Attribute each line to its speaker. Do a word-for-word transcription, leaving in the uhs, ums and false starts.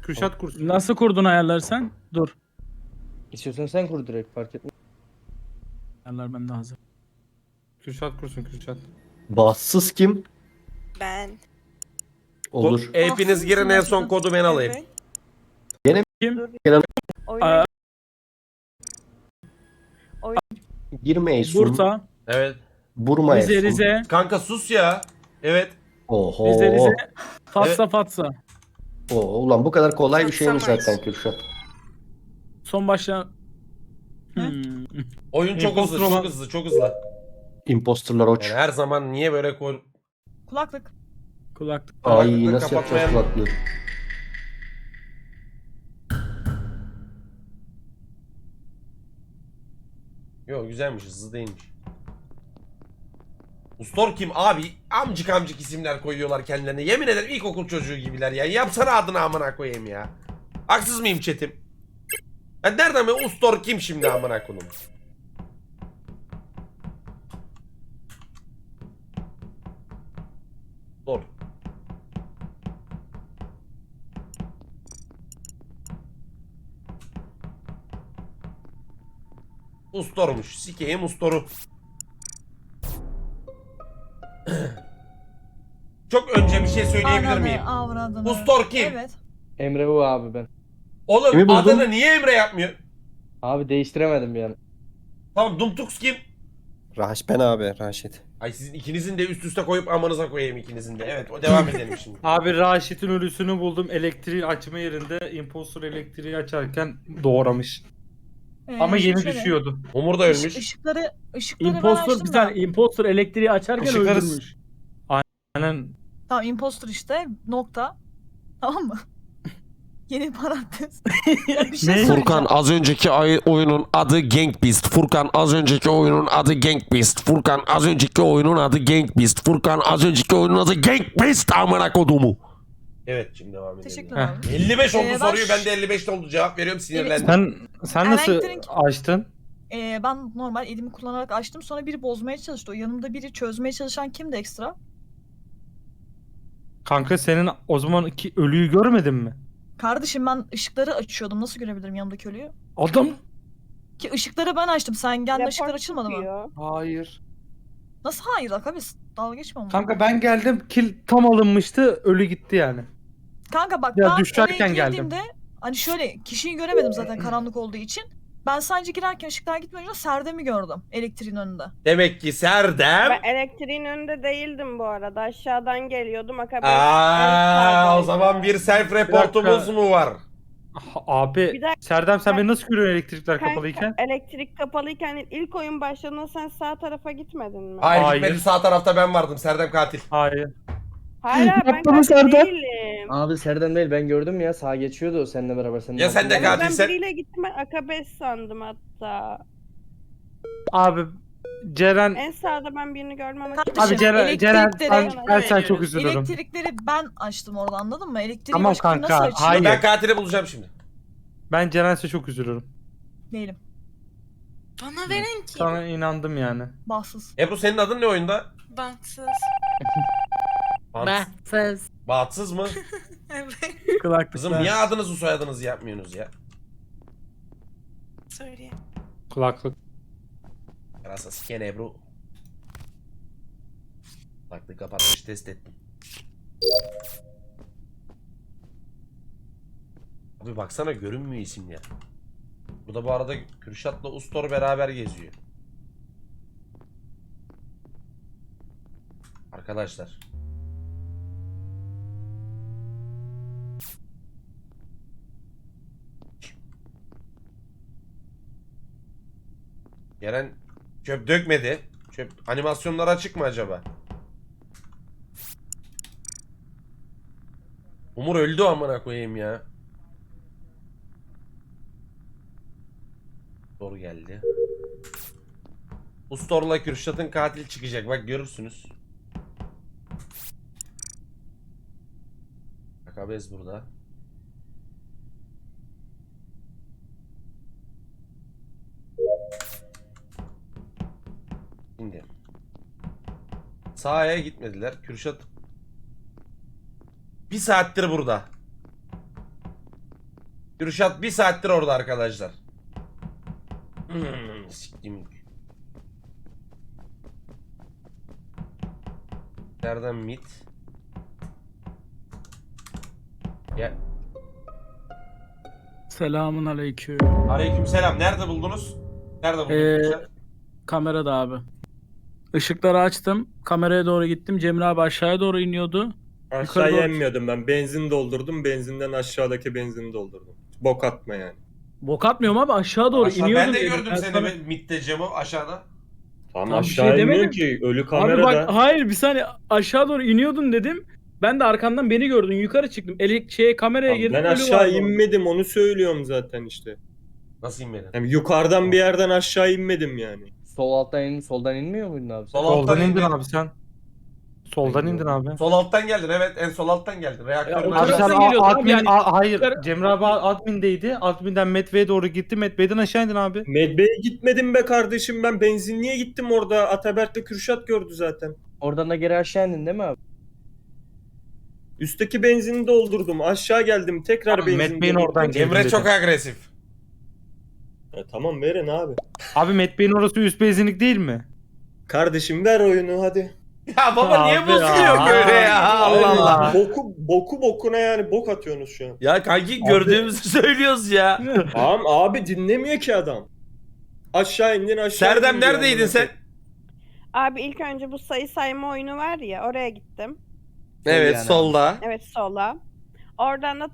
Speaker 1: Kürşat kursun.
Speaker 2: Nasıl kurdun ayarları sen? Dur.
Speaker 3: İstiyorsan sen kur direkt, fark etmez.
Speaker 2: Ayarlar bende hazır.
Speaker 1: Kürşat kursun Kürşat.
Speaker 4: Bahtsız kim?
Speaker 5: Ben.
Speaker 4: Olur.
Speaker 6: Hepiniz girin, en son kodu ben alayım.
Speaker 5: Evet.
Speaker 2: Kim?
Speaker 5: Oyun.
Speaker 2: Aa,
Speaker 4: Girme Eysun.
Speaker 2: Bursa,
Speaker 6: Evet.
Speaker 4: Burma
Speaker 2: Rize,
Speaker 4: Eysun.
Speaker 2: Rize,
Speaker 6: Kanka sus ya. Evet.
Speaker 4: Oho.
Speaker 2: Rize, Rize, Fatsa, Fatsa.
Speaker 4: Oo, ulan bu kadar kolay bir şeymiş
Speaker 5: Satsamayız.
Speaker 4: zaten Kürşat.
Speaker 2: Son başla. Hmm.
Speaker 6: Oyun çok hızlı,
Speaker 1: Imposter olan-
Speaker 6: çok hızlı, çok hızlı.
Speaker 4: Imposterlar oç.
Speaker 6: Yani her zaman niye böyle koy...
Speaker 5: Kulaklık.
Speaker 2: Kulaklık.
Speaker 4: Ay
Speaker 6: Kulaklıkları
Speaker 4: nasıl yapacağız
Speaker 6: kapatmayan-
Speaker 4: kulaklığı?
Speaker 6: Yok güzelmiş, hızlı değilmiş. Ustor kim abi? Amcık amcık isimler koyuyorlar kendilerine. Yemin ederim ilkokul çocuğu gibiler ya. Yapsana adını amına koyayım ya. Haksız mıyım chatim? Ben nereden be Ustor kim şimdi amına koyayım? Ustor. Ustormuş. Sikeyim Ustor'u. Çok önce bir şey söyleyebilir
Speaker 5: Ananı,
Speaker 6: miyim?
Speaker 5: avradını.
Speaker 6: Ustor kim?
Speaker 5: Evet.
Speaker 3: Emre bu abi ben.
Speaker 6: Oğlum
Speaker 4: Kimi buldun?
Speaker 6: adını niye Emre yapmıyor?
Speaker 3: Abi değiştiremedim yani.
Speaker 6: Tamam Dumtux kim?
Speaker 7: Raş ben abi Raşit.
Speaker 6: Ay sizin ikinizin de üst üste koyup amanıza koyayım ikinizin de. Evet o devam edelim şimdi.
Speaker 1: Abi Raşit'in ölüsünü buldum. Elektriği açma yerinde impostor elektriği açarken doğramış.
Speaker 5: Ee,
Speaker 1: Ama
Speaker 5: şimdi
Speaker 1: yeni
Speaker 5: şöyle,
Speaker 1: düşüyordu.
Speaker 6: Umur da
Speaker 5: ışık-
Speaker 6: ölmüş.
Speaker 5: Işıkları, ışıkları ben
Speaker 2: Impostor
Speaker 5: açtım
Speaker 2: bir
Speaker 5: da.
Speaker 2: saniye. Impostor elektriği açarken
Speaker 1: Işıkları-
Speaker 2: öldürmüş.
Speaker 1: Aynen.
Speaker 5: Tamam impostor işte. Nokta. Tamam mı? Yeni parantez. Ya bir şey
Speaker 1: Ne?
Speaker 5: söyleyeceğim.
Speaker 6: Furkan az önceki ay- oyunun adı Gang Beast. Furkan az önceki oyunun adı Gang Beast. Furkan az önceki oyunun adı Gang Beast. Furkan az önceki oyunun adı Gang Beast amına kodumu. Evet şimdi devam edelim.
Speaker 5: Teşekkürler abi.
Speaker 6: elli beş oldu
Speaker 5: Ee, ben
Speaker 6: soruyu,
Speaker 5: ş-
Speaker 6: ben de elli beşte oldu cevap veriyorum, sinirlendim.
Speaker 1: Sen sen nasıl
Speaker 5: Elektrik-
Speaker 1: açtın?
Speaker 5: Ee, ben normal elimi kullanarak açtım. Sonra biri bozmaya çalıştı. O yanımda biri çözmeye çalışan kimdi ekstra?
Speaker 1: Kanka senin o zamanki ölüyü görmedin mi?
Speaker 5: Kardeşim ben ışıkları açıyordum. Nasıl görebilirim yanımdaki ölüyü?
Speaker 1: Adam.
Speaker 5: Ki ışıkları ben açtım. Sen gelme ışıklar açılmadı mı?
Speaker 1: Hayır.
Speaker 5: Nasıl hayır Ak abi? Dalga geçme ama.
Speaker 1: Kanka ben geldim kill tam alınmıştı ölü gitti yani.
Speaker 5: Kanka bak
Speaker 1: Ya
Speaker 5: ben
Speaker 1: düşerken
Speaker 5: oraya
Speaker 1: geldim.
Speaker 5: girdiğimde hani şöyle kişiyi göremedim zaten karanlık olduğu için. Ben sadece girerken ışıklar gitmeden önce Serdem'i gördüm elektriğin önünde.
Speaker 6: Demek ki Serdem.
Speaker 8: Ben elektriğin önünde değildim bu arada. Aşağıdan geliyordum. Akabe
Speaker 6: Aa, o zaman bir self reportumuz
Speaker 1: dakika.
Speaker 6: mu var?
Speaker 1: Ah, Abi
Speaker 8: Bir dakika.
Speaker 1: Serdem sen beni nasıl görüyorsun elektrikler
Speaker 8: Kanka,
Speaker 1: kapalıyken?
Speaker 8: elektrik kapalıyken ilk oyun başladığında sen sağ tarafa gitmedin mi?
Speaker 6: Hayır,
Speaker 1: Hayır.
Speaker 6: gitmedi, sağ tarafta ben vardım. Serdem katil.
Speaker 1: Hayır.
Speaker 8: Hayır abi, ben
Speaker 1: Yapma mı
Speaker 8: katil
Speaker 1: Serdar?
Speaker 8: değilim.
Speaker 3: Abi Serdar değil, ben gördüm ya, sağa geçiyordu o seninle beraber. Senin
Speaker 6: Ya sen de
Speaker 3: altından.
Speaker 6: katil-
Speaker 8: Ben
Speaker 6: sen-
Speaker 8: biriyle gittim, ben Akabe sandım hatta.
Speaker 1: Abi Ceren
Speaker 8: En sağda ben birini görmem ama
Speaker 5: Kardeşim,
Speaker 1: Abi Ceren, Ceren
Speaker 5: elektrikleri-
Speaker 1: ben, ben sen çok üzülürüm.
Speaker 5: Elektrikleri ben açtım orada, anladın mı? Elektriği
Speaker 1: Tamam
Speaker 5: başka biri
Speaker 1: kanka,
Speaker 5: nasıl açıyor?
Speaker 1: hayır.
Speaker 6: Ben katili bulacağım şimdi.
Speaker 1: Ben Ceren'se çok üzülürüm.
Speaker 5: Değilim.
Speaker 9: Bana veren kim?
Speaker 1: Sana inandım yani.
Speaker 5: Bahtsız.
Speaker 6: Ebru senin adın ne oyunda?
Speaker 9: Baksız.
Speaker 6: Bahtsız. Bahtsız mı?
Speaker 9: Evet.
Speaker 2: Kulaklıklar.
Speaker 6: Kızım niye adınızı soyadınızı yapmıyorsunuz ya?
Speaker 9: Söyle.
Speaker 1: Kulaklık.
Speaker 6: Yarasa siken Ebru. Kulaklığı kapatmış, test ettim. Abi baksana görünmüyor isim ya. Burada bu arada Kürşat'la Ustor beraber geziyor. Arkadaşlar. Yeren çöp dökmedi. Çöp animasyonlar açık mı acaba? Umur öldü amına koyayım ya. Doğru geldi. Ustor'la Kürşat'ın katil çıkacak. Bak görürsünüz. Akabez burada. Şimdi. Sağa gitmediler. Kürşat bir saattir burada. Kürşat bir saattir orada arkadaşlar. Hmm, siktim. Nereden mit? Ya.
Speaker 2: Selamun aleyküm.
Speaker 6: Aleykümselam. Nerede buldunuz? Nerede buldunuz?
Speaker 2: Ee,
Speaker 6: Kürşat?
Speaker 2: Kamerada abi. Işıkları açtım. Kameraya doğru gittim. Cemil abi aşağıya doğru iniyordu. Yukarı
Speaker 10: Aşağıya
Speaker 2: doğru-
Speaker 10: inmiyordum ben. Benzin doldurdum. Benzinden aşağıdaki benzini doldurdum. Bok atma yani.
Speaker 2: Bok atmıyorum abi, aşağı doğru
Speaker 6: Aşağı-
Speaker 2: iniyordum.
Speaker 6: ben de
Speaker 2: dedim.
Speaker 6: gördüm
Speaker 2: Ben
Speaker 6: seni
Speaker 2: sana-
Speaker 6: be- mitte Cemo aşağıda.
Speaker 10: Tam
Speaker 2: Tam bir
Speaker 10: aşağı
Speaker 2: şey
Speaker 10: inmiyor
Speaker 2: demedim.
Speaker 10: ki. Ölü
Speaker 2: Abi
Speaker 10: kamerada.
Speaker 2: bak, hayır bir saniye, aşağı doğru iniyordun dedim. Ben de arkandan beni gördün. Yukarı çıktım. Elek şeye kameraya
Speaker 10: Tamam,
Speaker 2: girdim.
Speaker 10: ben
Speaker 2: ölü
Speaker 10: aşağı
Speaker 2: vardı orada.
Speaker 10: inmedim. Onu söylüyorum zaten işte.
Speaker 6: Nasıl inmedin?
Speaker 10: Yani yukarıdan bir yerden aşağı inmedim yani.
Speaker 3: Sol alttan in, soldan inmiyor muydun abi? sen?
Speaker 6: Sol alttan
Speaker 1: Soldan indin
Speaker 6: indin.
Speaker 1: abi sen. Soldan indin abi.
Speaker 6: Sol alttan geldin, evet, en sol alttan geldin. Reaktörün
Speaker 2: o
Speaker 1: Abi
Speaker 6: aşağısı.
Speaker 1: sen
Speaker 2: taraftan geliyordun
Speaker 1: a-
Speaker 2: abi,
Speaker 1: admin,
Speaker 2: yani-
Speaker 1: a- hayır.
Speaker 2: Yukarı-
Speaker 1: Cemre abi admindeydi. Adminden Medve'ye doğru gitti. Medve'den aşağı indin abi.
Speaker 10: Medbe'ye gitmedim be kardeşim. Ben benzinliğe gittim orada. Ataberk'le Kürşat gördü zaten.
Speaker 3: Oradan da geri aşağı indin değil mi abi?
Speaker 10: Üstteki benzini doldurdum. Aşağı geldim. Tekrar
Speaker 1: Abi,
Speaker 10: benzin
Speaker 1: Medbe'nin
Speaker 10: doldurdum.
Speaker 1: oradan geldi.
Speaker 6: Emre çok agresif.
Speaker 10: Ya tamam verin abi.
Speaker 1: Abi Medve'nin orası üst benzinlik değil mi?
Speaker 10: Kardeşim ver oyunu hadi.
Speaker 6: Ya baba niye
Speaker 1: Abi
Speaker 6: bozuluyor
Speaker 1: ya.
Speaker 6: böyle ya? Allah Allah.
Speaker 10: Boku, boku bokuna yani bok atıyorsunuz şu an.
Speaker 6: Ya kanki gördüğümüzü söylüyoruz ya.
Speaker 10: Tamam abi dinlemiyor ki adam. Aşağı indin aşağı
Speaker 6: Serdem
Speaker 10: indin diyor
Speaker 6: neredeydin
Speaker 10: amına
Speaker 6: sen?
Speaker 10: koyayım.
Speaker 8: Abi ilk önce bu sayı sayma oyunu var ya oraya gittim.
Speaker 6: Evet
Speaker 3: yani.
Speaker 6: solda.
Speaker 8: Evet sola. Oradan da